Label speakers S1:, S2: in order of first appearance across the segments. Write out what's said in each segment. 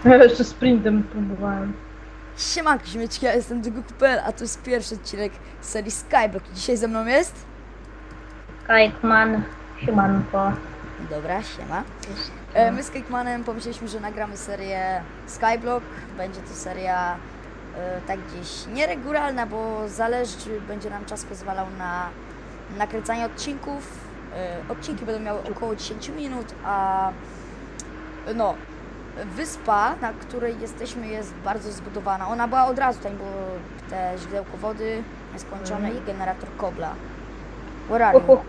S1: Ja jeszcze sprintem próbowałem.
S2: Siemanko, ziomeczki, ja jestem Dygukupel, a to jest pierwszy odcinek z serii Skyblock. Dzisiaj ze mną jest?
S1: Kajkman, siemanko.
S2: Dobra, siema. My z Kajkmanem pomyśleliśmy, że nagramy serię Skyblock. Będzie to seria tak gdzieś nieregularna, bo zależy, czy będzie nam czas pozwalał na nakręcanie odcinków. Odcinki będą miały około 10 minut, a no, wyspa, na której jesteśmy, jest bardzo zbudowana. Ona była od razu, tam było te źródełko wody nieskończone i generator kobla. Where are you?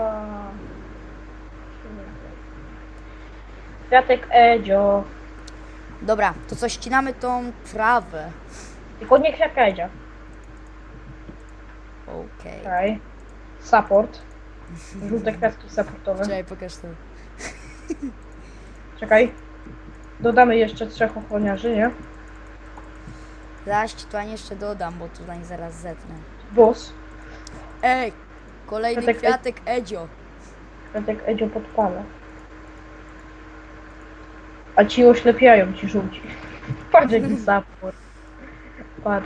S1: Kwiatek Edzio.
S2: Dobra, to co, ścinamy tą trawę.
S1: Tylko nie kwiatka Edzia.
S2: Okej.
S1: Okej. Support. Żółte kwiatki supportowe.
S2: Czekaj, pokaż to.
S1: Czekaj. Dodamy jeszcze 3 ochroniarzy, nie?
S2: Zaś ci tutaj jeszcze dodam, bo tutaj zaraz zetnę.
S1: Boss.
S2: Ej, kolejny kwiatek Edzio.
S1: Kwiatek Edzio podpala. A ci oślepiają, ci żółci. Patrz jaki support. Patrz.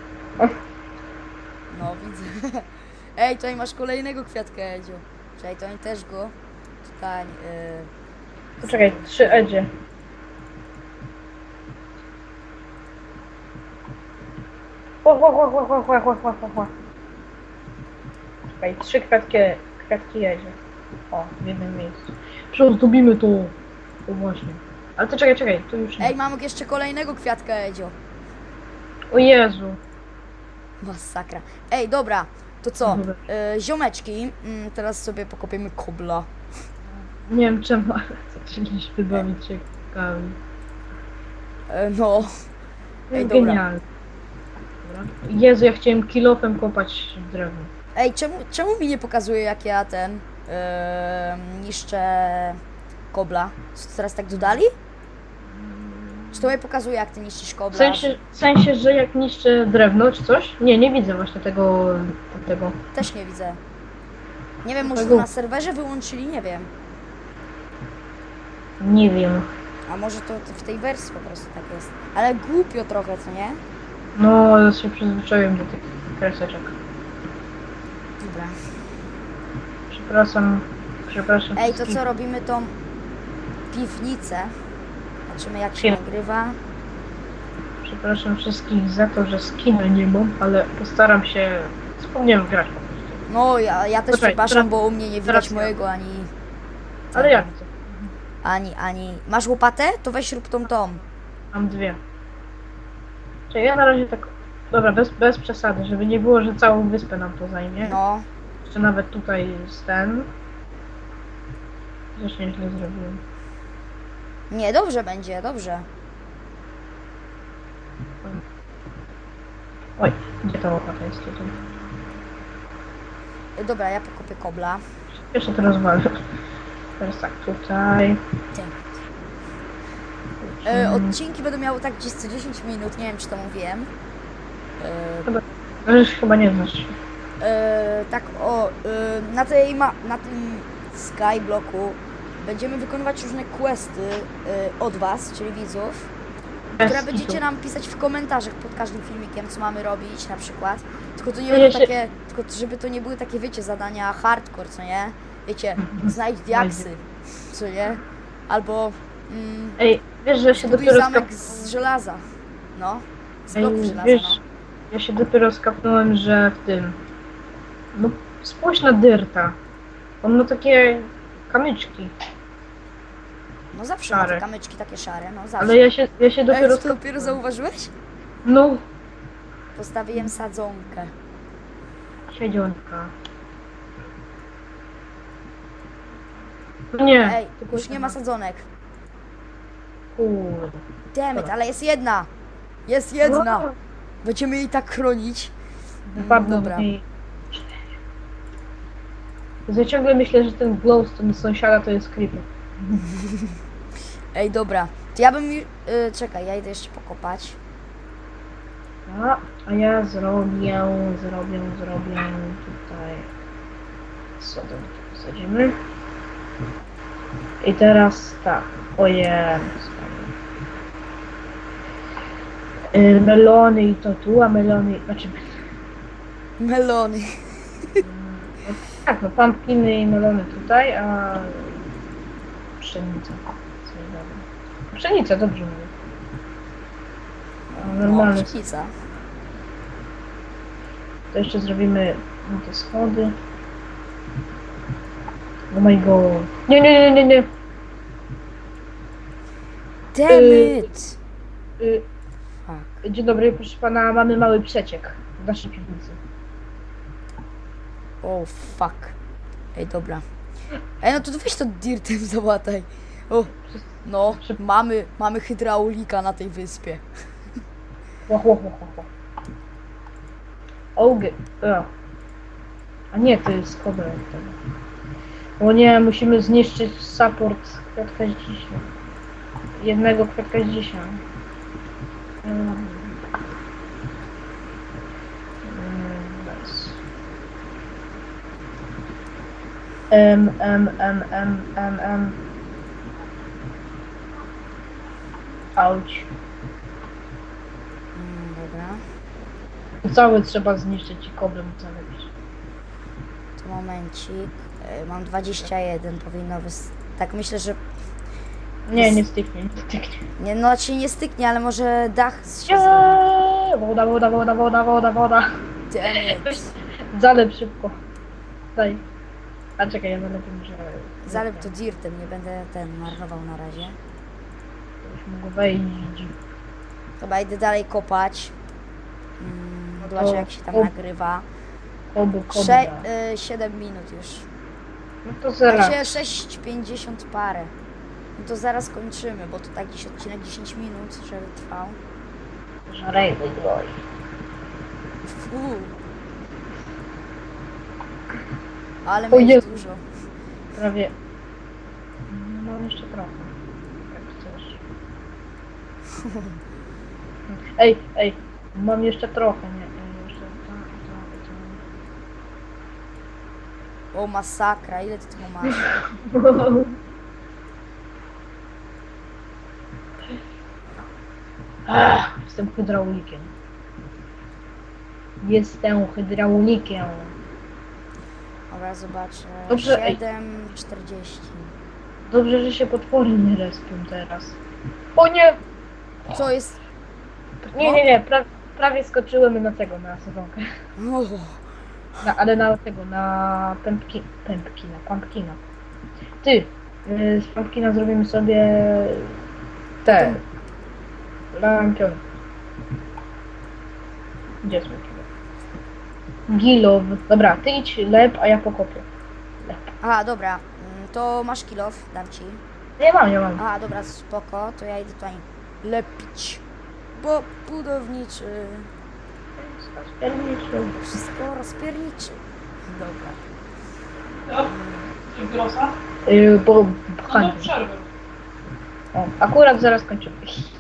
S2: No, widzę. Ej, tutaj masz kolejnego kwiatka Edzio. Czekaj, to oni też go tutaj...
S1: Poczekaj, 3 Edzie. Czekaj, 3 kwiatki Edzie. O, w jednym miejscu. Przeozdobimy to. O właśnie. Ale to czekaj, tu już nie.
S2: Ej, mamy jeszcze kolejnego kwiatka Edzio.
S1: O Jezu.
S2: Masakra. Ej, dobra, to co?
S1: Dobra.
S2: Ziomeczki, teraz sobie pokopiemy kobla.
S1: Nie wiem czemu, ale zaczęliśmy bawić ciekawi.
S2: No. Ej, dobra.
S1: Genialne. Dobra. Jezu, ja chciałem kilofem kopać drewno.
S2: Ej, czemu mi nie pokazuje, jak ja niszczę kobla? Co, teraz tak dodali? Czy to mi pokazuje, jak ty niszczysz
S1: W
S2: kobla?
S1: sensie, że jak niszczę drewno czy coś? Nie widzę właśnie tego.
S2: Też nie widzę. Nie wiem, może
S1: Tego.
S2: to na serwerze wyłączyli, nie wiem.
S1: Nie wiem.
S2: A może to w tej wersji po prostu tak jest. Ale głupio trochę, co nie?
S1: No, ja się przyzwyczaiłem do tych kreseczek.
S2: Dobra.
S1: Przepraszam.
S2: Ej, to
S1: wszystkich.
S2: co, robimy tą piwnicę? Zobaczymy, jak się
S1: Film.
S2: nagrywa.
S1: Przepraszam wszystkich za to, że skina nie mam, ale postaram się. Wspomniałem grać po prostu.
S2: No, ja też
S1: Poczekaj,
S2: przepraszam,
S1: teraz-
S2: bo u mnie nie widać
S1: teraz ja.
S2: mojego ani...
S1: Ale ja widzę.
S2: Ani... Masz łopatę? To weź rób tą.
S1: Mam 2. Czyli ja na razie tak. Dobra, bez przesady, żeby nie było, że całą wyspę nam to zajmie.
S2: No.
S1: Jeszcze nawet tutaj jest ten. Też nieźle zrobiłem.
S2: Nie, dobrze będzie, dobrze.
S1: Oj, gdzie ta łopata jest tutaj?
S2: Dobra, ja pokopię kobla.
S1: Jeszcze to rozwalę. Teraz tak, tutaj.
S2: Odcinki będą miały tak gdzieś co 10 minut, nie wiem czy to mówiłem.
S1: Chyba nie znasz.
S2: Tak na tym Skyblocku będziemy wykonywać różne questy od was, czyli widzów, które będziecie nam pisać w komentarzach pod każdym filmikiem, co mamy robić na przykład. Tylko to nie będą takie, tylko żeby to nie były takie, wiecie, zadania hardcore, co nie? Wiecie, znajdź diaksy, co nie? Albo
S1: Ej, wiesz, że się
S2: zbuduj
S1: dopiero
S2: zamek z żelaza. No, z
S1: Ej,
S2: bloku żelaza,
S1: wiesz,
S2: no.
S1: ja się dopiero skapnąłem, że w tym. No, spójrz na Dyrta. On ma takie kamyczki.
S2: No zawsze ma te
S1: szare.
S2: kamyczki takie szare, no zawsze.
S1: Ale ja się dopiero
S2: Ej, to dopiero zauważyłeś?
S1: No,
S2: Postawiłem sadzonkę.
S1: siedzionka. No nie.
S2: Ej, już nie ma sadzonek.
S1: Kurde.
S2: Dammit, ale jest jedna! Jest jedna! Będziemy jej tak chronić.
S1: Wypadną
S2: Dobra.
S1: i... Ja ciągle myślę, że ten glowstone sąsiada to jest creeper.
S2: Ej, dobra. To ja bym... czekaj, ja idę jeszcze pokopać.
S1: A ja zrobię tutaj sadzonki posadzimy. I teraz tak, ojej, Melony i to tu, a melony, znaczy,
S2: Melony.
S1: tak, no pumpkiny i melony tutaj, a pszenica. Co nie dobra. Pszenica, dobrze mówię. A normalne.
S2: Pszenica.
S1: To jeszcze zrobimy te schody. Oh my god. Nie, nie, nie, nie, nie.
S2: Damn it! Fuck.
S1: Dzień dobry, proszę pana, mamy mały przeciek w naszej piwnicy.
S2: Oh fuck. Ej, dobra. Ej, no to weź to dirtem załataj. O, no, mamy hydraulika na tej wyspie.
S1: Ło. Ołgy. A nie, to jest koda. O nie, musimy zniszczyć support kwiatka z dzisiaj. Jednego kwiatka z dzisiaj. Bez. Auć.
S2: Dobra.
S1: Cały trzeba zniszczyć i koblem całe bić.
S2: To momencik. Mam 21, powinno tak myślę, że...
S1: Nie, nie styknie, nie styknie.
S2: Nie, no znaczy nie styknie, ale może dach się zrobi.
S1: Woda.
S2: Damn it.
S1: Zalep szybko. Daj. A czekaj, ja zalepię muszę...
S2: Zalep to dirtem, nie będę marnował na razie.
S1: Już mogę wejść.
S2: Chyba idę dalej kopać. Zobaczę jak się tam nagrywa.
S1: Koby.
S2: 7 minut już.
S1: No to zaraz.
S2: Także 6,50 parę. No to zaraz kończymy, bo to tak gdzieś odcinek 10 minut, żeby trwał.
S1: Żarejmy groj.
S2: Fuu. Ale
S1: O
S2: mieć
S1: Jezu.
S2: dużo.
S1: Prawie... No, mam jeszcze trochę. Jak chcesz. Ej. Mam jeszcze trochę, nie? Jeszcze to.
S2: O masakra, ile ty tego masz?
S1: Jestem hydraulikiem.
S2: Dobra, zobaczę.
S1: Dobrze, ej.
S2: 7,40.
S1: Dobrze, że się potwory nie respią teraz. O nie!
S2: Co jest?
S1: Nie. Prawie skoczyłem na tego, na sezonkę.
S2: O,
S1: Ale na tego, na pumpkina. Ty, z pumpkina zrobimy sobie te lampiony. Gdzie jest mój kilo? Gilow. Dobra, ty idź lep, a ja pokopię. Lep.
S2: aha, dobra. To masz kilof, dam ci.
S1: Nie mam.
S2: Aha, dobra, spoko, to ja idę tutaj lepić. Bo budowniczy. Wszystko rozpierniczy. Dobra.
S3: Grosa?
S1: Bo
S3: No
S1: pchanie.
S3: do przerwy.
S1: O, akurat zaraz kończymy.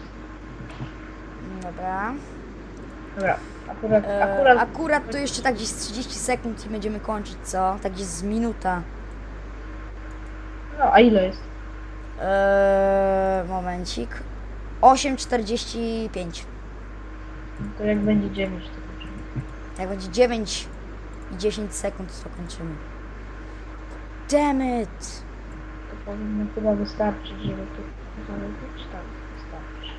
S2: Dobra.
S1: Dobra, akurat.
S2: Akurat to jeszcze tak gdzieś z 30 sekund i będziemy kończyć, co? Tak gdzieś z minuta.
S1: No, a ile jest?
S2: Momencik. 8,45.
S1: To jak będzie 9, to kończymy.
S2: Jak będzie 9 i 10 sekund, to kończymy. Damn it!
S1: To powinno chyba wystarczyć, żeby tu zarobić. Tak, wystarczy.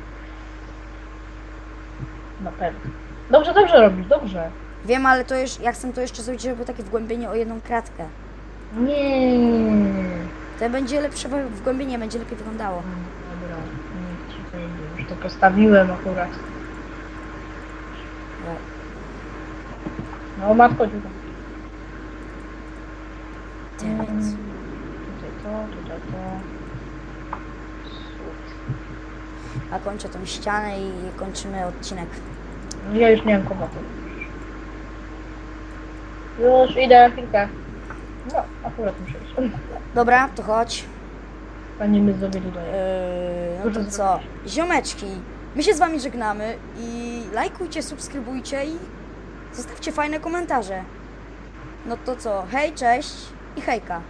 S1: Na pewno. Dobrze robisz, dobrze.
S2: Wiem, ale to już, ja chcę to jeszcze zrobić, żeby było takie wgłębienie o jedną kratkę.
S1: Nie.
S2: To będzie lepsze wgłębienie, będzie lepiej wyglądało.
S1: Dobra, niech ci wejdzie. Już to postawiłem akurat. No, matko, tutaj.
S2: Damn it.
S1: Tutaj to.
S2: A kończę tą ścianę i kończymy odcinek.
S1: Ja już nie mam komoty. Już idę, chwilkę. No, akurat muszę iść.
S2: Dobra, to chodź.
S1: Panie my zrobili tutaj.
S2: No to co? Ziomeczki, my się z wami żegnamy i lajkujcie, subskrybujcie i zostawcie fajne komentarze. No to co? Hej, cześć i hejka.